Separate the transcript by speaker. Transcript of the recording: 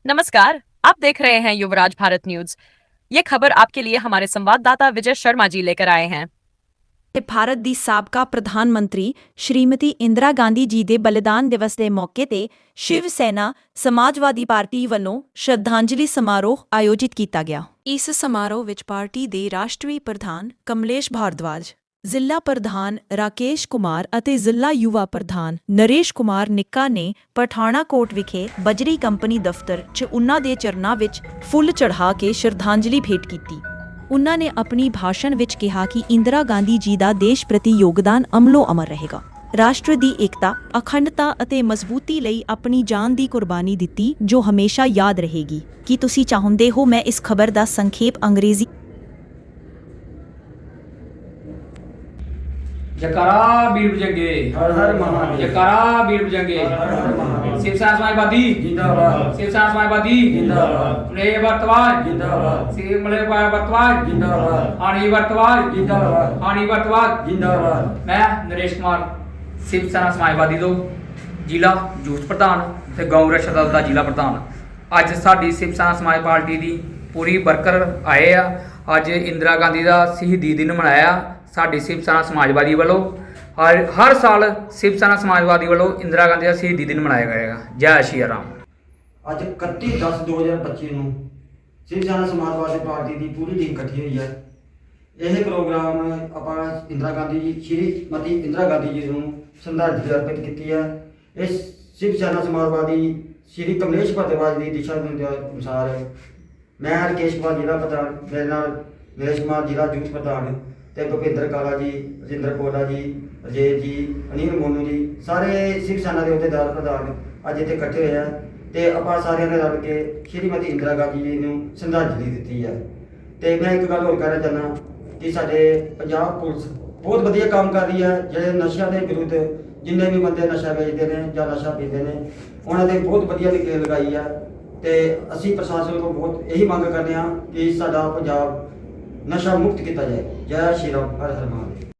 Speaker 1: नमस्कार, आप देख रहे हैं युवराज भारत न्यूज। ये खबर आपके लिए हमारे संवाददाता विजय शर्मा जी लेकर आए हैं।
Speaker 2: ਭਾਰਤ ਦੀ ਸਾਬਕਾ ਪ੍ਰਧਾਨ ਮੰਤਰੀ ਸ਼੍ਰੀਮਤੀ ਇੰਦਰਾ ਗਾਂਧੀ ਜੀ ਦੇ ਬਲੀਦਾਨ ਦਿਵਸ ਦੇ ਮੌਕੇ ਤੇ ਸ਼ਿਵ ਸੈਨਾ ਸਮਾਜਵਾਦੀ ਪਾਰਟੀ ਵੱਲੋਂ ਸ਼ਰਧਾਂਜਲੀ ਸਮਾਰੋਹ ਆਯੋਜਿਤ ਕੀਤਾ ਗਿਆ। ਇਸ ਸਮਾਰੋਹ ਵਿੱਚ ਪਾਰਟੀ ਦੇ ਰਾਸ਼ਟਰੀ ਪ੍ਰਧਾਨ ਕਮਲੇਸ਼ ਭਾਰਦਵਾਜ, ਜ਼ਿਲ੍ਹਾ ਪ੍ਰਧਾਨ ਰਾਕੇਸ਼ ਕੁਮਾਰ ਅਤੇ ਜ਼ਿਲ੍ਹਾ ਯੁਵਾ ਪ੍ਰਧਾਨ ਨਰੇਸ਼ ਕੁਮਾਰ ਨਿੱਕਾ ਨੇ ਪਠਾਣਾਕੋਟ ਵਿਖੇ ਬਜਰੀ ਕੰਪਨੀ ਦਫ਼ਤਰ 'ਚ ਉਨ੍ਹਾਂ ਦੇ ਚਰਨਾਂ ਵਿੱਚ ਫੁੱਲ ਚੜ੍ਹਾ ਕੇ ਸ਼ਰਧਾਂਜਲੀ ਭੇਟ ਕੀਤੀ। ਉਨ੍ਹਾਂ ਨੇ ਆਪਣੀ ਭਾਸ਼ਣ ਵਿੱਚ ਕਿਹਾ ਕਿ ਇੰਦਰਾ ਗਾਂਧੀ ਜੀ ਦਾ ਦੇਸ਼ ਪ੍ਰਤੀ ਯੋਗਦਾਨ ਅਮਲੋ ਅਮਰ ਰਹੇਗਾ। ਰਾਸ਼ਟਰ ਦੀ ਏਕਤਾ, ਅਖੰਡਤਾ ਅਤੇ ਮਜ਼ਬੂਤੀ ਲਈ ਆਪਣੀ ਜਾਨ ਦੀ ਕੁਰਬਾਨੀ ਦਿੱਤੀ, ਜੋ ਹਮੇਸ਼ਾ ਯਾਦ ਰਹੇਗੀ। ਕੀ ਤੁਸੀਂ ਚਾਹੁੰਦੇ ਹੋ ਮੈਂ ਇਸ ਖਬਰ ਦਾ ਸੰਖੇਪ ਅੰਗਰੇਜ਼ੀ
Speaker 3: जयकारा वीर बजरंगे,
Speaker 4: हर हर महादेव।
Speaker 3: जयकारा वीर बजरंगे,
Speaker 4: हर हर महादेव।
Speaker 3: शिवसेना समाजवादी
Speaker 4: जिंदाबाद।
Speaker 3: शिवसेना समाजवादी
Speaker 4: जिंदाबाद।
Speaker 3: मले वर्तवाद
Speaker 4: जिंदाबाद।
Speaker 3: शिव मले वर्तवाद
Speaker 4: जिंदाबाद।
Speaker 3: हानि वर्तवाद
Speaker 4: जिंदाबाद।
Speaker 3: हानि वर्तवाद
Speaker 4: जिंदाबाद।
Speaker 3: मैं नरेश कुमार शिवसेना समाजवादी ਤੋਂ ਜ਼ਿਲ੍ਹਾ ਯੂਥ ਪ੍ਰਧਾਨ ਤੇ ਗਊ ਰਕਸ਼ਾ ਦਲ ਦਾ ਜ਼ਿਲ੍ਹਾ ਪ੍ਰਧਾਨ। ਅੱਜ ਸਾਡੀ शिवसेना ਸਮਾਜ ਪਾਰਟੀ ਦੀ ਪੂਰੀ ਵਰਕਰ ਆਏ ਆ। ਅੱਜ ਇੰਦਰਾ ਗਾਂਧੀ ਦਾ ਸ਼ਹੀਦੀ ਦਿਨ ਮਨਾਇਆ ਸਾਡੀ शिवसेना ਸਮਾਜਵਾਦੀ ਵੱਲੋਂ। ਹਰ ਸਾਲ शिवसेना ਸਮਾਜਵਾਦੀ ਵੱਲੋਂ ਇੰਦਰਾ ਗਾਂਧੀ ਦਾ ਸ਼ਹੀਦੀ ਦਿਨ ਮਨਾਇਆ ਜਾਏਗਾ। ਜੈ ਸ਼੍ਰੀ ਰਾਮ।
Speaker 4: ਅੱਜ 31/10/2025 ਨੂੰ ਸ਼ਿਵ ਸੈਨਾ ਸਮਾਜਵਾਦੀ ਪਾਰਟੀ ਦੀ ਪੂਰੀ ਟੀਮ ਇਕੱਠੀ ਹੋਈ ਹੈ। ਇਹ ਪ੍ਰੋਗਰਾਮ ਆਪਾਂ ਇੰਦਰਾ ਗਾਂਧੀ ਜੀ ਸ਼੍ਰੀਮਤੀ ਇੰਦਰਾ ਗਾਂਧੀ ਜੀ ਨੂੰ ਸ਼ਰਧਾਂਜਲੀ ਅਰਪਿਤ ਕੀਤੀ ਹੈ। ਇਸ ਸ਼ਿਵ ਸੈਨਾ ਸਮਾਜਵਾਦੀ ਸ਼੍ਰੀ ਕਮਲੇਸ਼ ਭਾਰਦਵਾਜ ਦੀ ਦਿਸ਼ਾ ਅਨੁਸਾਰ ਮੈਂ ਰਕੇਸ਼ ਕੁਮਾਰ ਜ਼ਿਲ੍ਹਾ ਪ੍ਰਧਾਨ, ਮੇਰੇ ਨਾਲ ਨਰੇਸ਼ ਕੁਮਾਰ ਜ਼ਿਲ੍ਹਾ ਯੂਥ ਪ੍ਰਧਾਨ ਤੇ ਭੁਪਿੰਦਰ ਕਾਲਾ ਜੀ, ਰਜਿੰਦਰ ਕੋਲਾ ਜੀ, ਅਜੇ ਜੀ, ਅਨਿਲ ਮੋਨੂ ਜੀ, ਸਾਰੇ ਸ਼ਿਵ ਸੈਨਾ ਦੇ ਅਹੁਦੇਦਾਰ ਪ੍ਰਧਾਨ ਅੱਜ ਇੱਥੇ ਇਕੱਠੇ ਹੋਏ ਆ ਤੇ ਆਪਾਂ ਸਾਰਿਆਂ ਨੇ ਰਲ ਕੇ ਸ਼੍ਰੀਮਤੀ ਇੰਦਰਾ ਗਾਂਧੀ ਜੀ ਨੂੰ ਸ਼ਰਧਾਂਜਲੀ ਦਿੱਤੀ ਹੈ। ਤੇ ਮੈਂ ਇੱਕ ਗੱਲ ਹੋਰ ਕਹਿਣਾ ਚਾਹੁੰਦਾ ਕਿ ਸਾਡੇ ਪੰਜਾਬ ਪੁਲਿਸ ਬਹੁਤ ਵਧੀਆ ਕੰਮ ਕਰ ਰਹੀ ਹੈ। ਜਿਹੜੇ ਨਸ਼ਿਆਂ ਦੇ ਵਿਰੁੱਧ ਜਿੰਨੇ ਵੀ ਬੰਦੇ ਨਸ਼ਾ ਵੇਚਦੇ ਨੇ ਜਾਂ ਨਸ਼ਾ ਪੀਂਦੇ ਨੇ, ਉਹਨਾਂ ਤੇ ਬਹੁਤ ਵਧੀਆ ਨਕੇਲ ਲਗਾਈ ਹੈ। ਤੇ ਅਸੀਂ ਪ੍ਰਸ਼ਾਸਨ ਤੋਂ ਬਹੁਤ ਇਹੀ ਮੰਗ ਕਰਦੇ ਹਾਂ ਕਿ ਸਾਡਾ ਪੰਜਾਬ ਨਸ਼ਾ ਮੁਕਤ ਕੀਤਾ ਜਾਏ। ਜੈ ਸ਼੍ਰੀ ਰਾਮ, ਹਰ ਹਰ ਮਹਾਦੇਵ।